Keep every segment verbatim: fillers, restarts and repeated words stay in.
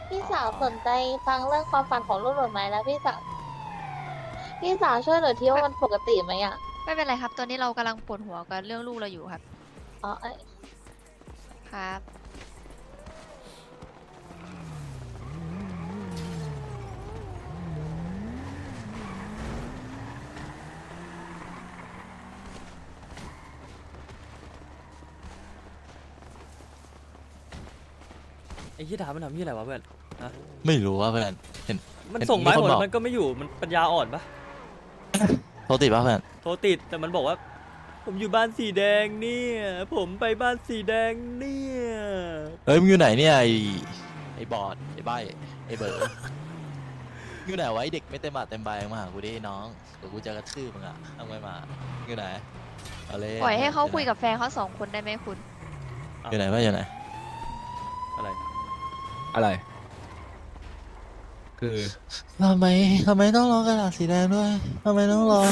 พี่อ๋อสาวสนใจฟังเรื่องความฝันของลูกหนูไหมแล้วพี่สาวพี่สาวช่วยหนูที่ว่าไม่มันปกติไหมอ่ะไม่เป็นไรครับตอนนี้เรากำลังปวดหัวกับเรื่องลูกเราอยู่ครับอ๋อเอ้ยครับไอ้ที่ถามมันทำที่อะไรวะเพื่อนฮะไม่รู้ว่าเพื่อนเห็นมันเห็นส่งไม้หมดมีคนบอกแล้วมันก็ไม่อยู่มันปัญญาอ่อนปะโทรติดป่ะเพื่อนโทรติดแต่มันบอกว่าผมอยู่บ้านสีแดงเนี่ยผมไปบ้านสีแดงเนี่ยเฮ้ยมึงอยู่ไหนเนี่ยไอไอบอดไอใบไอเบอร์อยู่ไหนวะไอเด็กไม่เต็มบาทเต็มใบมาหากูดิน้องเดี๋ยวกูจะกระทืบมึงอ่ะเอาไม่มาอยู่ไหนเอาเลยปล่อยให้เขาคุยกับแฟนเขาสองคนได้ไหมคุณอยู่ไหนว่าอยู่ไหนอะไรอะไร คือทำไมทำไมต้องรอกระดาษสีแดงด้วยทำไมต้องรอ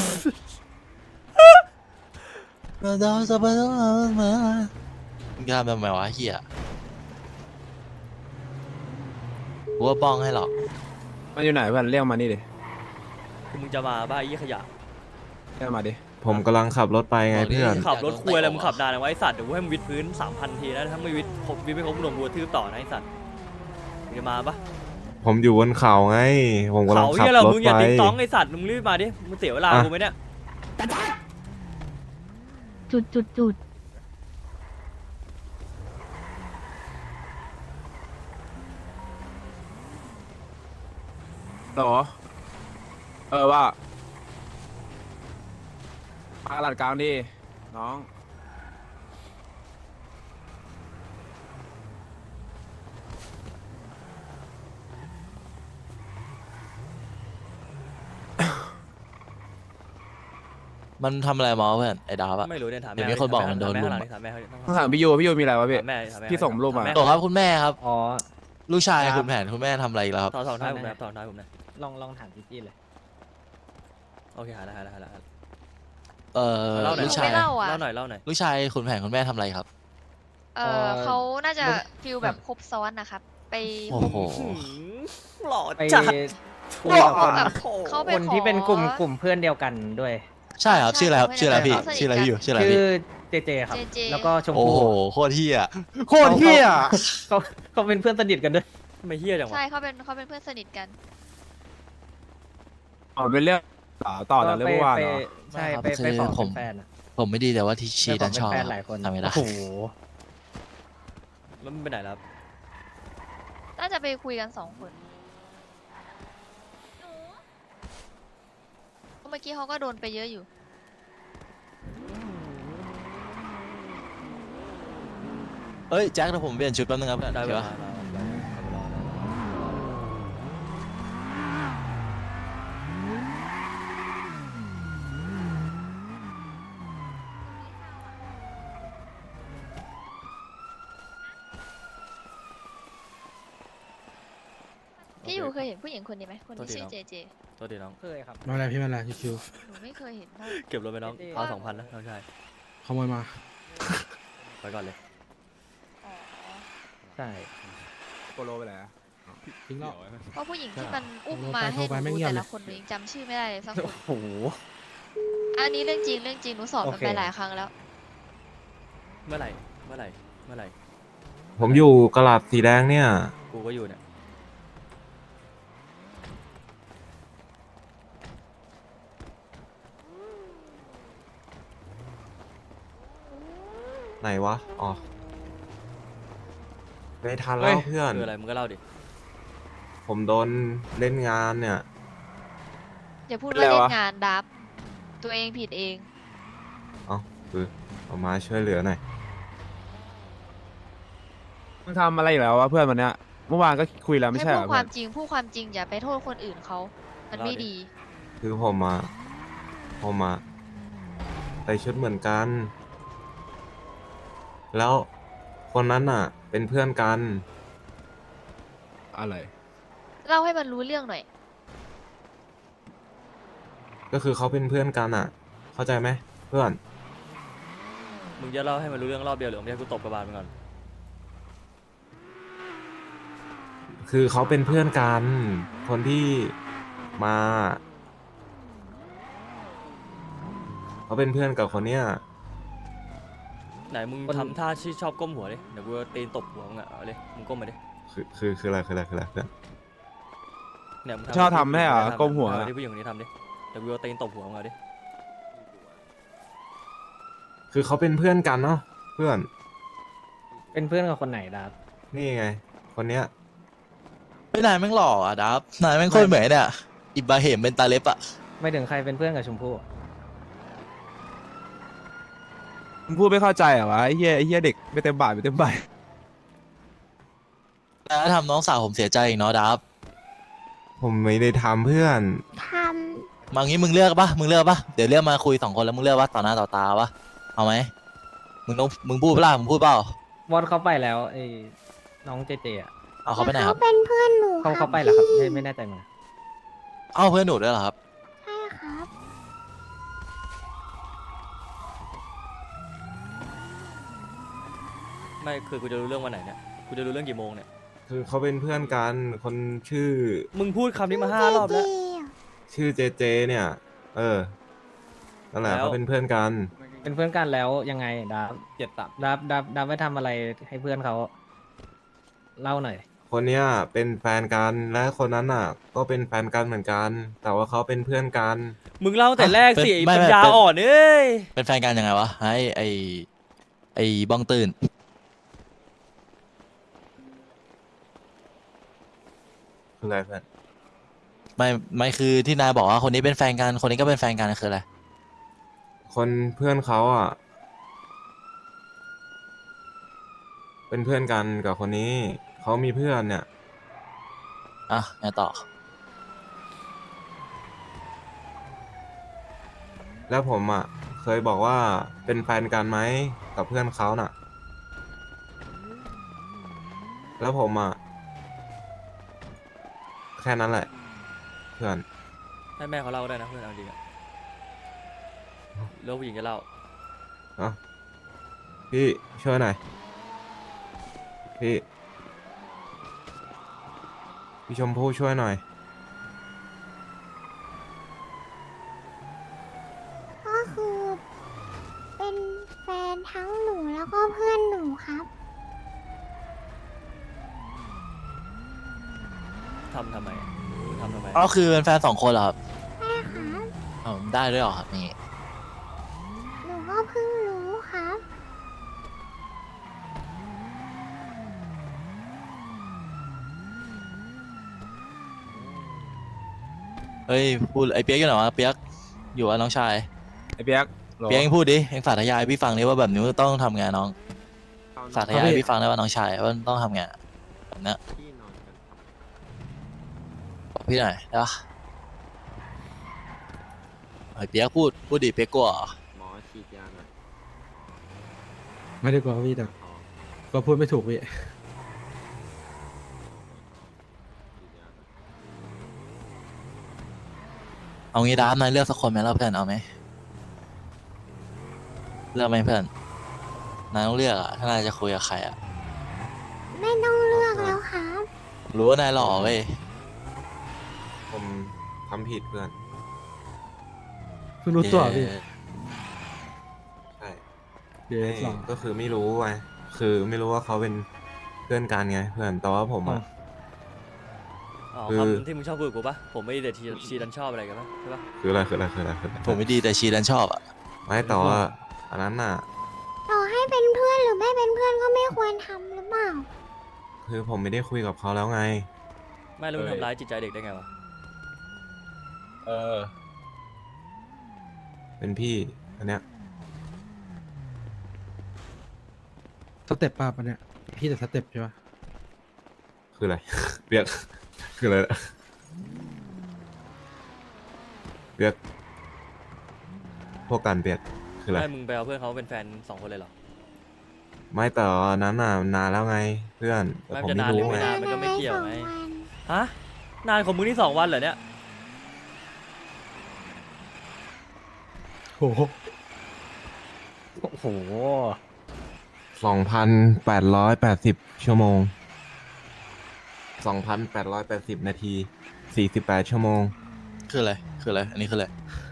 เราดาวจะไปต้องรอมามึงจะทำทำไมวะเฮียกูว่าป้องให้หรอกมันอยู่ไหนเพื่อนเรียกมานี่ดิคือมึงจะมาบ้าไอ้ขยะเรียกมาดิผมกำลังขับรถไปไงเพื่อนขับรถคุยอะไรมึงขับนานนะไว้ไอ้สัตว์เดี๋ยวกูให้มึงวิดพื้นสามพันทีนะถ้าไม่วิดครบวิดไม่ครบมึงโดนกูกระทืบต่อนะไอ้สัตว์มึงจะมาปะผมอยู่บนเขาไง ผมกำลังเขาขับเหี้ยเรารถมึงอไปย่าติ๊งต้องไอ้สัตว์มึงรีบมาดิมึงเสียเวลาอ่ะกูไหมเนี่ยจุดจุดจุดหรอ เออว่ามาหลัดกลางดิ น้องมันทำอะไรมาเพื่อนไอ้ดาวอะไม่รู้เนี่ยถามเดี๋แม่ยวมีคนบอกมันโดนถามลุแม่มถามแม่ต้องถามพี่ยูพี่ยูมีอะไรวะพี่ถามแม่ถามแม่พี่ส่งรูปมาถแตกครับคุณแม่ครับอ๋อลูกชายครับคุณแผนคุณแม่ทำอะไรอีกแล้วครับถอนถอนท้ายผมนะถอนท้ายผมนะลองลองถามจีจี้เลยโอเคหาแล้วหาแล้วหาแล้วหาแล้วเอ่อเล่าหน่อยลูกชายไม่เล่าอ่ะเล่าหน่อยเล่าหน่อยลูกชายคุณแผนคุณแม่ทำอะไรครับเออเขาน่าจะฟิลแบบครบซ้อนนะครับ ไปโอ้โหหืมหล่อไปจัดคุยกับคนแบบเขาไปคนขอที่เป็นกลุ่มกลุ่มเพื่อนเดียวกันด้วยใช่ครับใช่ชื่ออะไรครับใช่ชื่ออะไรพี่เขาสนิทชื่ออะไรพี่อยู่ชื่ออะไรชื่อพี่เจเจครับเจเจแล้วก็ชมโอ้พู่โหโคตรเฮียโคตรเที่ยเขาเขาเป็นเพื่อนสนิทกันด้วยทำไมเฮี้ยจังวะใช่เขาเป็นเขาเป็นเพื่อนสนิทกันอ๋อเป็นเรื่องต่อต่อจากเรื่องเมื่อวานไปเหรอใช่ครับไปไปคือขอผเป็มนแฟนอะผมไม่ดีแต่ว่าที่ชีไปขดัอน เป็ชนอบแฟนหลายคนทำไม่ได้โอ้โหแล้วมันไปไหนแล้วครับน่าจะไปคุยกันสองคนเมื่อกี้เขาก็โดนไปเยอะอยู่เอ้ยแจ็คเดี๋ยวผมเปลี่ยนชุดแป๊บนึงครับเพื่อนได้เวเดี๋ยวลาได้เวลาได้เวลาได้เวลาพี่อยู่เคยเห็นผู้หญิงคนนี้ไหมคนที่ชื่อเจเจโทษทีน้องเคยครับมาอะไรพี่มาอะไรคิวหนูไม่เคยเห็นเท่าเก็บรถไปน้องเอาสองพันนะน้องชายขโมยมาไปก่อนเลยอ๋อใช่โปโลไปไหนอะทิ้งแล้วเพราะผู้หญิงที่มันอุ้มโทรไปมาให้โทรไปหไม่นูเงียบแต่เลยละคนหนูยังจำชื่อไม่ได้เลยสักคนโอ้โหอันนี้เรื่องจริงเรื่องจริงหนูสอบมันโอเคไปหลายครั้งแล้วเมื่อไหร่เมื่อไหร่เมื่อไหร่ผมอยู่กระดาษสีแดงเนี่ยกูก็อยู่เนี่ยไหนวะ อ๋อ ไม่ทันแล้วเพื่อนคืออะไรมึงก็เล่าดิผมโดนเล่นงานเนี่ยอย่าพูดว่าเล่นงานดับ ตัวเองผิดเองเอ้าคือเอามาช่วยเหลือหน่อยมึงทำอะไรอีกแล้ววะเพื่อนวันเนี้ย เมื่อวานก็คุยแล้วไม่ให้ใช่เหพูรดอคเพื่วาอมนจริง พูดความจริงอย่าไปโทษคนอื่นเขา มันไม่ดีคือผมมา ผมมาใส่ชุดเหมือนกัน แล้วคนนั้นน่ะ เป็นเพื่อนกันอะไรเล่าให้มันรู้เรื่องหน่อยก็คือเขาเป็นเพื่อนกันอ่ะ เข้าใจไหมเพื่อนมึงจะเล่าให้มันรู้เรื่องรอบเดียวหรือมึงจะให้กูตบกระบาลมึงก่อนพคือเขาเป็นเพื่อนกัน คนที่มา เขาเป็นเพื่อนกับคนเนี้ยไหนมึงทำท่าที่ชอบก้มหัวดิเดี๋ยวกูจะตีนตบหัวมึงอ่ะเอาเลยมึงก้มมาดิคือคือคืออะไรคืออะไรคืออะไรเพื่อนเนี่ยมึงชอบทำให้เหรอผู้ญิงคนนี้ก้มหัวเออที่ผู้หญิงคนนี้ทำดิเดี๋ยวกูจะตีนตบหัวมึงเอาดิคือเขาเป็นเพื่อนกันเนาะเพื่อนเป็นเพื่อนกับคนไหนดับนี่ไง คนเนี้ยไม่นายแม่งหล่ออ่ะดับนายแม่งโคตรเหมือนเนี่ยอิบราฮิมเป็นตาเล็บอ่ะไม่ถึงใครเป็นเพื่อนกับชมพู่มึงพูดไม่เข้าใจเหรอวะไอ้เหี้ยไอ้เหี้ยเด็กไม่เต็มบาทไม่เต็มใบนายทำน้องสาวผมเสียใจอีกเนาะดับผมไม่ได้ทำเพื่อนทมางี้มึงเลือกปะมึงเลือกปะเดี๋ยวเรียกมาคุยสองคนแล้วมึงเลือกปะต่อหน้าต่อตาปะเอาไหมมึงต้องมึงพูดเปล่ามึงพูดเปล่าวอดเขาไปแล้วไอ้น้องเจเจอ่ะเอาำเขาไปไหนคเขารับเป็นเพื่อนหนูเขาครัเขาบไปแล้วครับพี่ไม่ไม่แน่ใจเหมือนกันเอ้าเพื่อนหนูด้วยเหรอครับใช่ครับไม่คือกูจะรู้เรื่องวันไหนเนี่ยกูจะรู้เรื่องกี่โมงเนี่ยคือเขาเป็นเพื่อนกัน คนชื่อมึงพูดคำนี้มาห้ารอบแล้วชื่อเจเจ เนี่ย เออ นั่นแหละแล้วเขาเป็นเพื่อนกันเป็นเพื่อนกันแล้วยังไงดับเจ็ดตับดับดับดับไปทำอะไรให้เพื่อนเขาเล่าหน่อยคนเนี้ยเป็นแฟนกัน และคนนั้นน่ะ ก็เป็นแฟนกันเหมือนกัน แต่ว่าเขาเป็นเพื่อนกันมึงเล่าแต่แรกสิเป็นไอ้ไม่ปัญไม่ญาเป็นอ่อนเอ้ยเป็นแฟนกันยังไงวะไอ้ไอ้ไอ้บ้องตื่นคืออะไรเพื่อนไม่ไม่คือที่นายบอกว่าคนนี้เป็นแฟนกันคนนี้ก็เป็นแฟนกันคืออะไรคนเพื่อนเขาอ่ะ เป็นเพื่อนกันกับคนนี้ เขามีเพื่อนเนี่ยอ่ะไงต่อแล้วผมอ่ะ เคยบอกว่าเป็นแฟนกันไหมกับเพื่อนเขาน่ะ แล้วผมอ่ะ แค่นั้นแหละ เพื่อนให้แม่เขาเล่าได้นะเพื่อนเอาจริงอะแล้วผู้หญิงจะเล่าเอ้าพี่ช่วยหน่อย พี่ พี่ชมพู่ช่วยหน่อยก็คือเป็นแฟนทั้งหนูแล้วก็เพื่อนหนูครับทำทำไมมึงทำทำไมอ๋อคือเป็นแฟนสองคนเหรอครับใช่ครับอ๋อได้ด้วยเหรอครับนี่หนูก็เพิ่งรู้ครับเฮ้ยพูดไอ้เปียกอยู่ไหนวะเปียกอยู่กับน้องชายไอ้เปียกโหลเปียกเองพูดดิเองสาธยายพี่ฟังดิว่าแบบนี้ต้องทำไงน้องสาธยายพี่ฟังได้ว่าน้องชายว่าต้องทำไงแบบเนี้ยบอกพี่หน่อยได้ปะไอ้เปียกพูดพูดดิเปียกกลัวเหรอไม่ได้กลัวพี่แต่ก็พูดไม่ถูกพี่เอางี้ดามนายเลือกสักคนไหมล่ะเพื่อนเอาไหมเลือกไหมเพื่อนนายต้องเลือกอะถ้านายจะคุยกับใครอะไม่ต้องเลือกแล้วครับรู้ว่านายหล่อเว้ยผมทำผิดเพื่อนเพิ่งรู้ตัวพี่เย้ใช่เดี๋ยวไม่หรอก็คือไม่รู้ไง คือไม่รู้ว่าเขาเป็นเพื่อนกันไงเพื่อน แต่ว่าผมอ่ะอ๋อคือคำที่มึงชอบพูดกับกูปะผมไม่ได้แต่ชีชีดันชอบอะไรกันปะใช่ปะคืออะไรคืออะไรคืออะไรคืออะไรผมไม่ดีแต่ชีดันชอบอะไม่แต่ว่าอันนั้นน่ะต่อให้เป็นเพื่อนหรือไม่เป็นเพื่อนก็ไม่ควรทำหรือเปล่าคือผมไม่ได้คุยกับเขาแล้วไงไม่แล้วมึงทำร้ายจิตใจเด็กได้ไงวะเออเป็นพี่อันเนี้ยสเต็ปป้าปะเนี่ยพี่แต่สเต็ปใช่ปะคืออะไร เปียก คืออะไรนะเปียก พวกกันเปียก คืออะไรไม่มึงไปเอาเพื่อนเขาเป็นแฟนสองคนเลยเหรอไม่แต่อันนั้นน่ะนานแล้วไงเพื่อนแต่ไม่ผมจะไม่นานหรืรู้อไม่ไงนาน มันก็ไม่เกี่ยวไงสองวันฮะนานของมึงนี่สองวันเหรอเนี่ยโอ้โหโอ้โหสองพันแปดร้อยแปดสิบชั่วโมงสองพันแปดร้อยแปดสิบนาทีสี่สิบแปดชั่วโมงคืออะไรคืออะไรอันนี้คืออะไร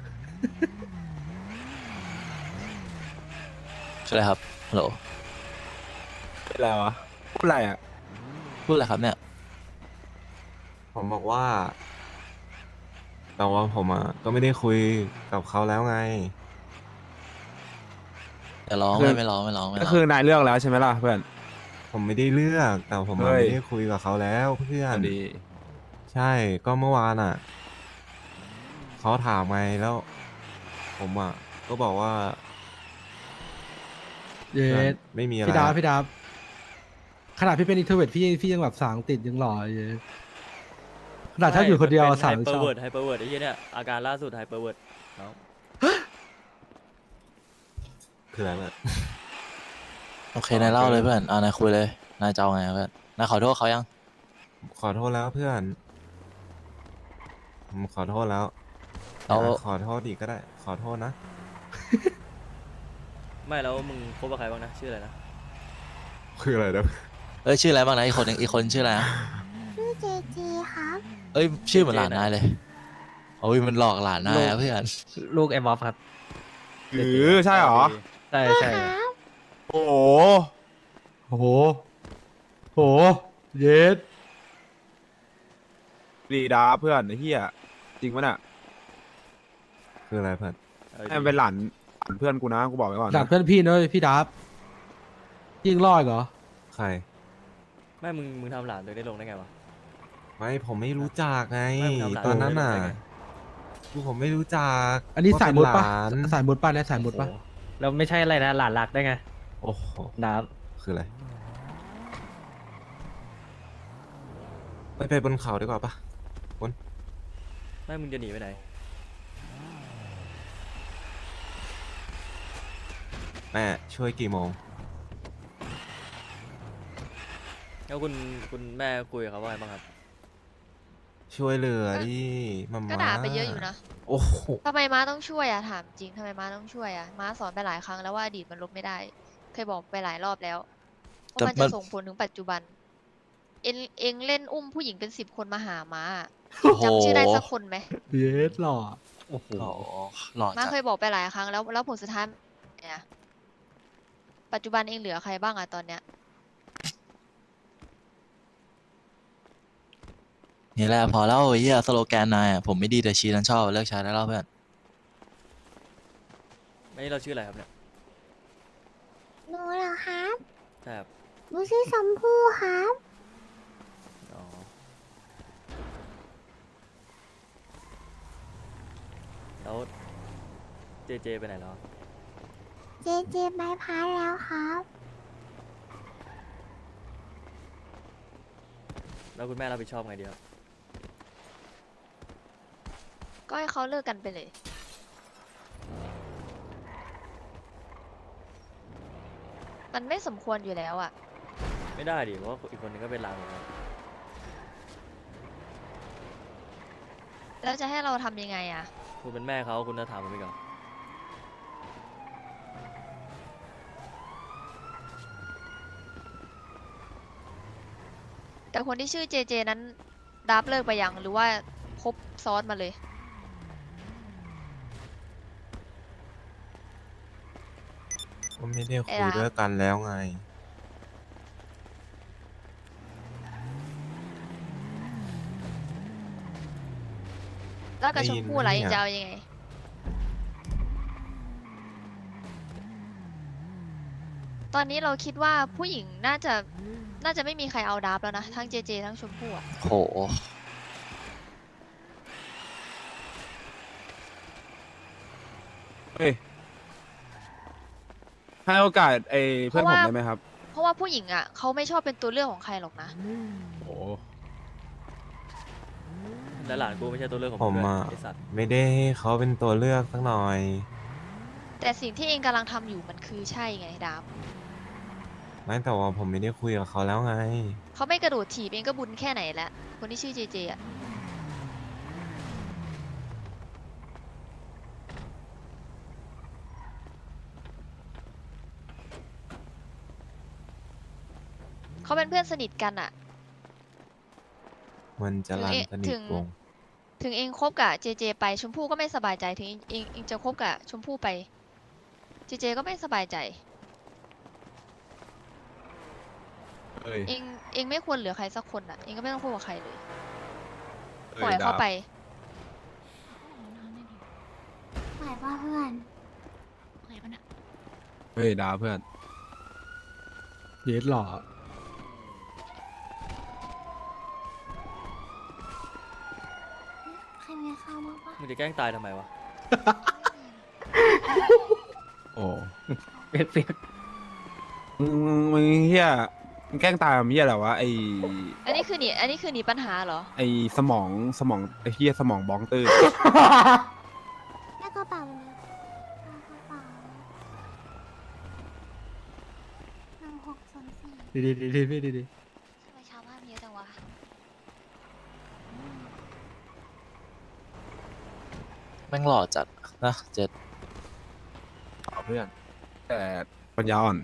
คืออะไรครับฮัลโหลเป็นไรวะพูดอะไรอ่ะพูดอะไรครับเนี่ยผมบอกว่า แต่ว่าผมอ่ะก็ไม่ได้คุยกับเขาแล้วไงอย่าร้องคือไม่ไม่ร้องไม่ร้องไม่ก็ร้องคือนายเลือกแล้วใช่ไหมล่ะเพื่อนผมไม่ได้เลือกแต่ผมอะเฮ้ยไม่ได้คุยกับเขาแล้วเพื่อนดีใช่ก็เมื่อวานอ่ะเขาถามไงแล้ว ผมอ่ะก็บอกว่าเย็เพื่อนดไม่มีอะไรพี่ดาบพี่ดาบขนาดพี่เป็นอินโทรเวิร์ดพี่พี่ยังแบบสางติดยังหล่อเย็ดขนาดถ้าอยู่คนเดียวสางไฮยังเปอชอร์บเวิร์ดไฮเปอร์เวิร์ดไอ้เหี้ยเนี่ยอาการล่าสุดไฮเปอร์เวิร์ดน้องคืออะไรแบบโอเคนายเล่าเลยเพื่อนเอานายคุยเลยนายจะเอาไงเพื่อนนายขอโทษเขายังขอโทษแล้วเพื่อนผมขอโทษแล้วเราอยากขอโทษอีกก็ได้ ขอโทษนะไม่แล้วมึงคบกับใครบ้างนะชื่ออะไรนะคืออะไรนะเอ้ยชื่ออะไรบ้างนะอีกคนหนึ่งอีกคนชื่ออะไรนะชื่อเจเจครับเอ้ยชื่อเหมือนหลานนายเลยโอ้ยมันหลอกหลานนายอะเพื่อนลูกไอ้บ๊อบครับหรือใช่เหรอใช่ใช่โอ้โหโอ้โหโหเย็ดดีดาเพื่อนไอ้เหี้ยจริงปะเนี่ยคืออะไรเพื่อนเออให้มันเป็นหลานหลานเพื่อนกูนะกูบอกไว้ก่อนหลันะกเพื่อนพี่เนอะพี่ดาบยิงรอดเหรอใครไม่มึงมึงทำหลานตัวได้ลงได้ไงวะไม่ผมไม่รู้จักไงไม่มึงทำหลานตอนนั้นน่ะได้ไงคือผมไม่รู้จักอันนี้ว่สายมุดเป็ปะนหลานสายมุดปะเนี่ยสายมุดปะโอ้โหแล้วไม่ใช่อะไรนะหลานรักได้ไงโอ้โหดาบคืออะไรไปไปบนเขาดีกว่าปะไม่มึงจะหนีไปไหนแม่ช่วยกี่โมงแล้วคุณคุณแม่คุยกับเขาว่าไงบ้างครับช่วยเหลือดิมาก็ม่าด่าไปเยอะอยู่นะโอ้โหทำไมม้าต้องช่วยอะถามจริงทำไมม้าต้องช่วยอะม้าสอนไปหลายครั้งแล้วว่าอดีตมันลบไม่ได้ เคยบอกไปหลายรอบแล้วว่ามันจะส่งผลถึงปัจจุบัน เอ็งเอ็งเล่นอุ้มผู้หญิงเป็นสิบคนมาหาม้าอะโอ้โหจำชื่อได้สักคนไหมเย็ดหล่อโอ้โหหล่อหล่อม้าจัดเคยบอกไปหลายครั้งแล้วแล้วผลสุดท้ายเนี่ยปัจจุบันเองเหลือใครบ้างอะตอนเนี้ยนี่แหละพอแล้วไอ้เหี้ยสโลแกนนายอะผมไม่ดีแต่ชีนั้นชอบเลิกใช้ได้แล้วเพื่อนไม่เราชื่ออะไรครับเนี่ยหนูเหรอครับใช่ครับหนูชื่อชมพู่ครับอ๋อแล้วเจเจไปไหนแล้วเจเจไปพักแล้วครับแล้วคุณแม่รับผิดชอบไงดีครับก็ให้เขาเลิกกันไปเลย มันไม่สมควรอยู่แล้วอะไม่ได้ดิเพราะว่าอีกคนนึงก็เป็นหลานผมครับแล้วจะให้เราทำยังไงอะคุณเป็นแม่เขาคุณจะถามผมไปก่อนแต่คนที่ชื่อเจเจนั้นดับเลิกไปยังหรือว่าคบซ้อนมาเลยก็ไม่ได้คุไอ้ยหลานด้วยกันแล้วไงแล้วกับได้ชยิมนพู่ไหมอะไรเนี่ยจะเอายังไง ตอนนี้เราคิดว่าผู้หญิงน่าจะน่าจะไม่มีใครเอาดับแล้วนะ ทั้งเจเจทั้งชมพู่อะโหเฮ้ยให้โอกาสไอ้เพื่อนผมได้ไหมครับเพราะว่าผู้หญิงอะเขาไม่ชอบเป็นตัวเลือกของใครหรอกนะโอ้และหลานกูไม่ใช่ตัวเลือกของผผมมด้วยอ่ะไอสัตว์ไม่ได้ให้เขาเป็นตัวเลือกสักหน่อยแต่สิ่งที่เองกำลังทำอยู่มันคือใช่ไงดับไม่แต่ว่าผมไม่ได้คุยกับเขาแล้วไงเขาไม่กระโดดถีบเองก็บุญแค่ไหนแล้ว คนที่ชื่อเจเจอะเขาเป็นเพื่อนสนิทกันอะมันจะถึงรันเอสนิถึทงวงศ์ถึงเองคบกับเจเจไปชมพู่ก็ไม่สบายใจถึงเองเองเองจะคบกับชมพู่ไปเจเจก็ไม่สบายใจเอ้ยเองเองไม่ควรเหลือใครสักคนอ่ะเองก็ไม่ต้องคบกับใครเลยเอ้ปล่อยดาเขาบไปไหวป่ะเพื่อนเฮ้ยดาวเพื่อนเยสหล่อใครมีข้าวบ้างปะมึงจะแกล้งตายทำไมวะโอ้เปียกเปียกมึงมึงมึงเฮียมึงแกล้งตายมันเฮียอะไรวะไออันนี้คือหนีอันนี้คือหนีปัญหาเหรอไอสมองสมองไอเฮียสมองบ้องตื้อแม่กระเป๋าเลยกระเป๋าหนึ่งหกศูนย์สี่ดีดีดีดีพี่ดีดีทำไมชาวบ้านเยอะจังวะแม่งหล่อจัดนะเจ็ดเพื่อน แต่ปัญญาอ่อน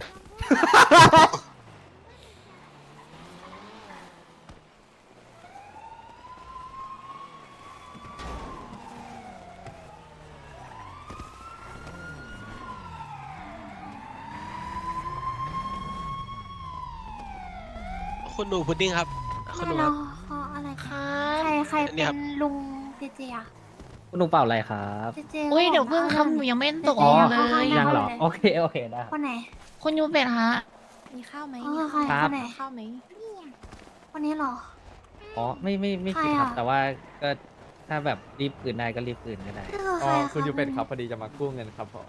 คุณหนูพุดดิ้งครับคุณหนูไม่คเรารับขออะไรคะใครใครเนี่เป็ยครันบลุงเจเจอะคุณลุงเปล่าอะไรครับเจเจอุ้ยเดี๋ยวขาเพิ่งบครัอกบหนูว่ายังไม่ตกอ๋อเองเลยยังเหรอ โอเค โอเคได้คครับ นไหนคุณยูเป็ดฮะมีข้าวไหมอ๋อใครครัคบนไหนข้าวไหมคนนี้เหรออ๋อ ไม่ไม่ไม่ใครคิดครับอะแต่ว่าก็ถ้าแบบรีบคืนได้ก็รีบคืนก็ได้นี่คือใครอะคุณยูเป็นครับพอดีจะมากู้เงินครับผม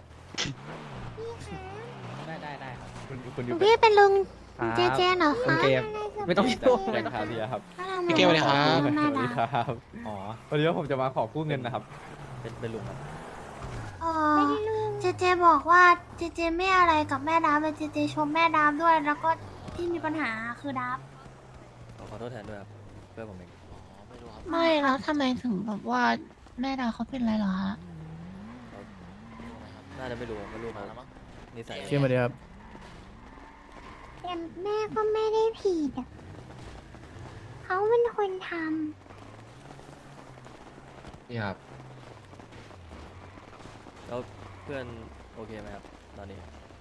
ได้ได้ได้ครับคุณคุณหยูนูเป็นพี่เป็นลุงครับเจเจเหรอคุณคะเกมไม่ต้องยุ่งแกงคาเทียครับพี่เกมสวัสดีครับหน้าดาครับอ๋อพอดีว่าผมจะมาขอกู้เงินนะครับเป็นเป็นลุงครับเออเจเจบอกว่าเจเจไม่อะไรกับแม่ดาบเลยเจเจชมแม่ดาบด้วย แล้วก็ที่มีปัญหาคือดาบขอขอโทษแทนด้วยครับเพื่อนผมเองอ๋อไม่รู้ครับไม่แล้วทำไมถึงแบบว่าแม่ดาเขาเป็นไรเหรอฮะน่าจะไม่รู้ไม่รู้มามาแล้วมั้งนิสัยเชื่อมาดีครับแต่แม่ก็ไม่ได้ผิดอะเขาเป็นคนทนี่ครับแล้วเพื่อนโอเคไหมครับตอนนี้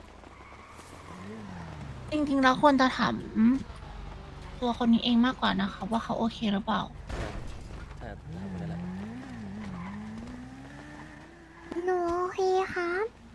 จริงๆแล้วควรจะถามตัวคนนี้เองมากกว่านะคะว่าเขาโอเคหรือเปล่าใช่ครับถามคนนี้แหละำหนูโอเคครับ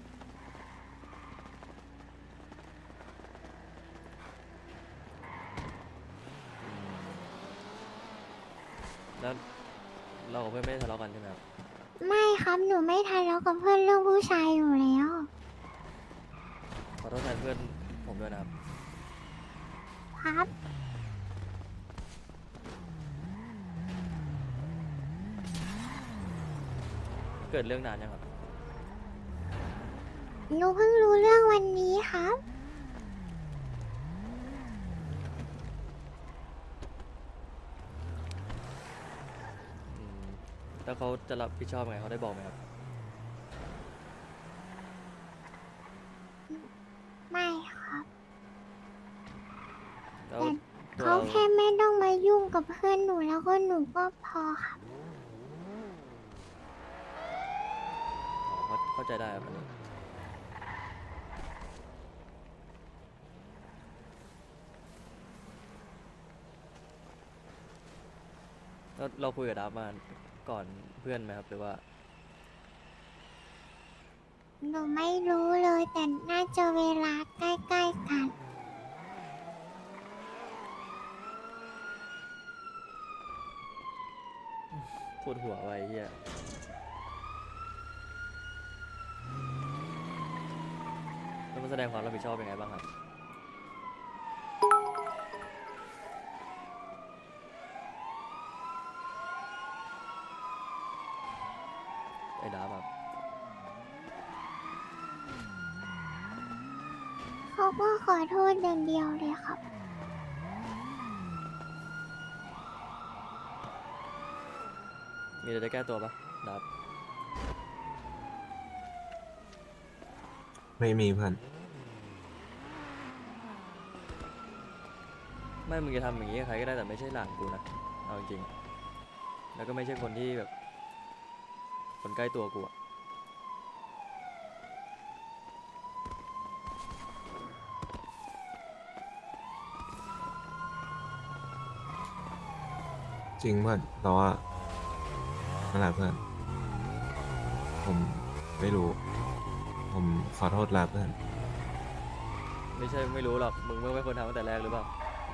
แล้วเรากับเพื่อนไม่ได้ทะเลาะกันใช่ไหมครับไม่ครับหนูไม่ทะเลาะกับเพื่อนเรื่องผู้ชายอยู่แล้วขอโทษแทนเพื่อนผมด้วยนะครับครับเกิดเรื่องนานยังครับหนูเพิ่งรู้เรื่องวันนี้ครับอืมแล้วเขาจะรับผิดชอบไงเขาได้บอกไหมครับไม่ครับแล้วแต่ตัวเขาเราแค่ไม่ต้องมายุ่งกับเพื่อนหนูแล้วก็หนูก็พอครับอ๋อเข้าเข้าใจได้ครับอันนี้แล้วเราคุยกับดับมาก่อนเพื่อนไหมครับหรือว่าหนูไม่รู้เลยแต่น่าจะเวลาใกล้ๆกันปวดหัวไว้เฮียแล้วมันแสดงความรับผิดชอบยังไงบ้างครับ ไอ้ดาบแบบเขาก็ขอโทษอย่างเดียวเลยครับมีอะไรจะแก้ตัวปะดาบไม่มีเพื่อนไม่มึงจะทำอย่างนี้กับใครก็ได้แต่ไม่ใช่หลานกูนะ เเอาจริงๆแล้วก็ไม่ใช่คนที่แบบ คนใกล้ตัวกูอะจริงเพื่อนแต่ว่านั่นแหละเพื่อน ผมไม่รู้ ผมขอโทษแล้วเพื่อนไม่ใช่ไม่รู้หรอกมึงไม่ควรทำตั้งแต่แรกหรือเปล่า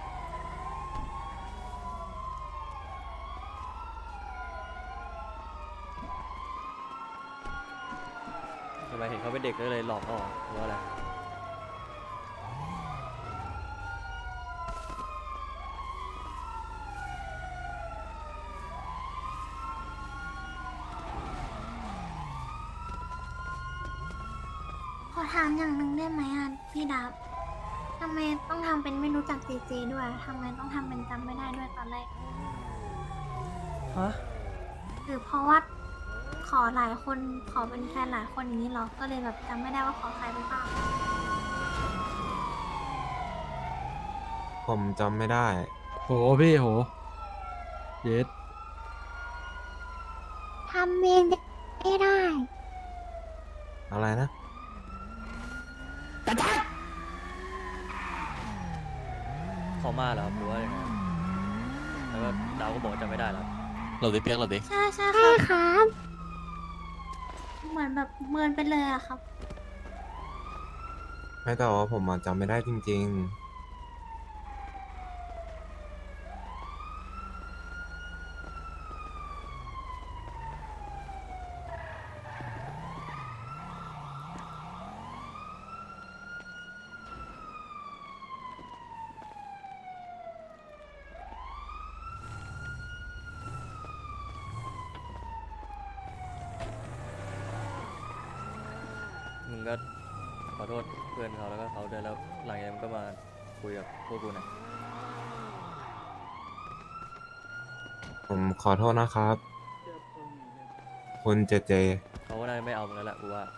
ทำไมเห็นเขาเป็นเด็กก็เลยหลอกเขาเหรอหรือว่าอะไรขอถามอย่างหนึ่งได้ไหมอ่ะพี่ดับทำไมต้องทำเป็นไม่รู้จักเจเจด้วยทำไมต้องทำเป็นจำไม่ได้ด้วยตอนแรกฮะหรือเพราะว่าขอหลายคนขอเป็นแฟนหลายคนอย่างนี้เหรอก็เลยแบบจำไม่ได้ว่าขอใครไปบ้างผมจำไม่ได้โหพี่โหเย็ดทำเองไม่ได้อะไรนะเขามาเหรอครับหรือว่ายังไงแล้วก็ดาวก็บอกว่าจำไม่ได้แล้วเราดิเปียกเราดิใช่ใช่ค่ะครับเหมือนแบบเมินไปเลยอะครับไม่แต่ว่าผมอะจำไม่ได้จริงมึงก็ขอโทษเพื่อนเขาแล้วก็เขาด้วยแล้วหลังจากนั้นมึงก็มาคุยกับพวกกูหน่อยๆ ผมขอโทษนะครับ คุณเจเจเขาก็น่าจะไม่เอามึงแล้วแหละกูว่า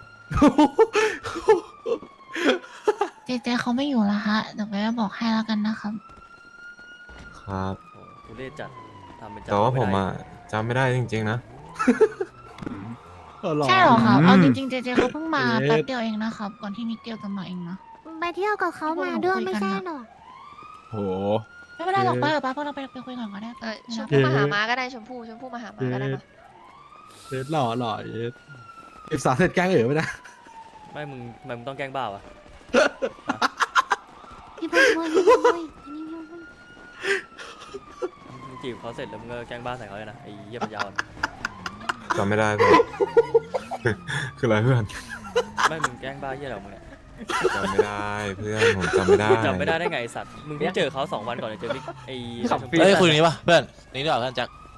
เจเจเขาไม่อยู่แล้วฮะเดี๋ยวไปบอกให้แล้วกันนะครับครับโอ้กูเล่จัดทำเป็นจัดแต่ว่าผมไได้อะจำไม่ได้จริงๆนะใช่เหรอครับอืมเอาจริงๆเจเจเขาเพิ่งมาเย็ดแป๊บเดียวเองนะครับ ก่อนที่มิเกลจะมาเองนะไปเที่ยวกับเขามาด้วยไม่ใช่หรอโหไม่เป็นไรหรอกเอ๊ะป้าเดี๋ยวป้าพวกเราไปไปคุยก่อนก็ได้เออชมไม่พู่เป็นไรมาหาม้าก็ได้ชมพู่ชมพู่มาหาม้าก็ได้มาเย็ดหล่อหล่อเย็ดเอฟสามเสร็จแกล้งเอ๋อไปนะไม่มึงทำไมมึงต้องแกล้งบ้าวะพี่บอยพี่บอยพี่บอยอันนี้พี่บอยมึงจีบเขาเสร็จแล้วมึงก็แกล้งบ้าใส่เขาเลยนะไอ้เหี้ยปัญญาอ่อนจำไม่ได้เพื่อน คืออะไรเพื่อนไม่มึงแกล้งบ้าเหี้ยอะไรของมึงเนี่ยจำไม่ได้เพื่อน ผมจำไม่ได้จำไม่ได้ได้ไงไอ้สัตว์มึงเพิ่งเจอเขาสองวันก่อนจะเจอมิกไอ้ขับฟรีเฮ้ยคุยตรงนี้ป่ะเพื่อนนี่ดีกว่าเพื่อนแจ็ค